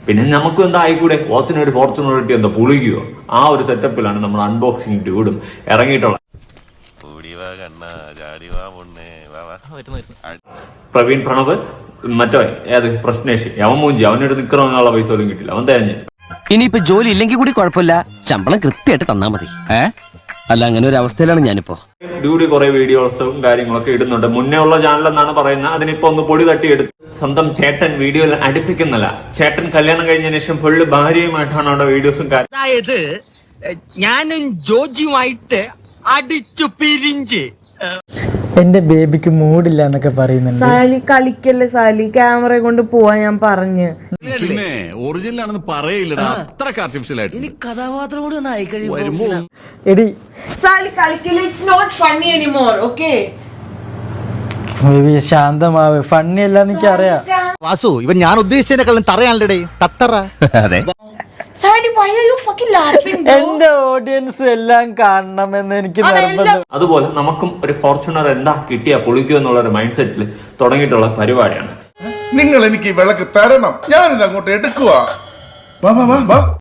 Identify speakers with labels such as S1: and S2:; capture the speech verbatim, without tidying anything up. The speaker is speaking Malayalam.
S1: പിന്നെ നമുക്ക് എന്താ ആയിക്കൂടെ, വാച്ചിന് ഒരു ഫോർച്യൂണർ കിട്ടി എന്താ പൊളിക്കുകയോ? ആ ഒരു സെറ്റപ്പിലാണ് നമ്മൾ അൺബോക്സിംഗ് ഡ്യൂഡും ഇറങ്ങിയിട്ടുള്ളത്. പ്രവീൺ പ്രണവ് മറ്റോ ഏത് പ്രശ്നേഷ് അവൻ മൂഞ്ചി, അവനോട് നിക്കറങ്ങാനുള്ള പൈസ പോലും കിട്ടില്ല, അവൻ തേഞ്ഞ്.
S2: ഇനിയിപ്പോ ജോലി ഇല്ലെങ്കിൽ കൂടി കുഴപ്പമില്ല, ശമ്പളം കൃത്യമായിട്ട് തന്നാ മതി. ഏ അല്ല, അങ്ങനെ ഒരു അവസ്ഥയിലാണ് ഞാനിപ്പോ.
S1: ഡ്യൂഡി കുറെ വീഡിയോസും കാര്യങ്ങളൊക്കെ ഇടുന്നുണ്ട്. മുന്നേ ഉള്ള ചാനൽ എന്നാണ് പറയുന്നത്. അതിനിപ്പോ ഒന്ന് പൊടി തട്ടിയെടുത്ത് സ്വന്തം ചേട്ടൻ വീഡിയോയിൽ അടുപ്പിക്കുന്നില്ല. ചേട്ടൻ കല്യാണം കഴിഞ്ഞതിന് ശേഷം ഫുള്ള് ഭാര്യയുമായിട്ടാണ് അവിടെ വീഡിയോസും കാര്യം.
S3: അതായത് ഞാനും ജോജിയുമായിട്ട് അടിച്ചു പിരിഞ്ച്
S4: എന്റെ ബേബിക്ക് മൂഡില്ല എന്നൊക്കെ പറയുന്നുണ്ട്.
S5: സാലി കളിക്കല്ലേ സാലി, ക്യാമറ കൊണ്ട് പോവാൻ ഞാൻ പറഞ്ഞു.
S6: പിന്നെ ഒറിജിനൽ ആണെന്ന് പറയില്ലടാ, അത്രക്ക് ആർട്ടിഫിഷ്യൽ ആയിട്ട്. ഇനി കഥാപാത്രം കൂടി ഒന്ന് ആയി കഴിയുമ്പോ
S4: എടി
S5: സാലി കളിക്കല്ലേ, it's not funny anymore. Okay
S4: baby ശാന്തമാവ്, ഫണ്ണി അല്ലാന്ന് എനിക്ക് അറിയാം.
S7: വാസു, ഇവൻ ഞാൻ ഉദ്ദേശിച്ചതിനെക്കാളും തറയാണല്ലേ തത്തറ. അതെ
S5: Sally, why are you fucking laughing, bro?
S4: എന്റെ ഓഡിയൻസ് എല്ലാം കാണണമെന്ന് എനിക്ക് നിർബന്ധം.
S1: അതുപോലെ നമുക്കും ഒരു ഫോർച്യൂണർ എന്താ കിട്ടിയാ പൊളിക്കുക എന്നുള്ള ഒരു മൈൻഡ് സെറ്റിൽ തുടങ്ങിയിട്ടുള്ള പരിപാടിയാണ്.
S8: നിങ്ങൾ എനിക്ക് വിളക്ക് തരണം, ഞാനിത് അങ്ങോട്ട് എടുക്കുക.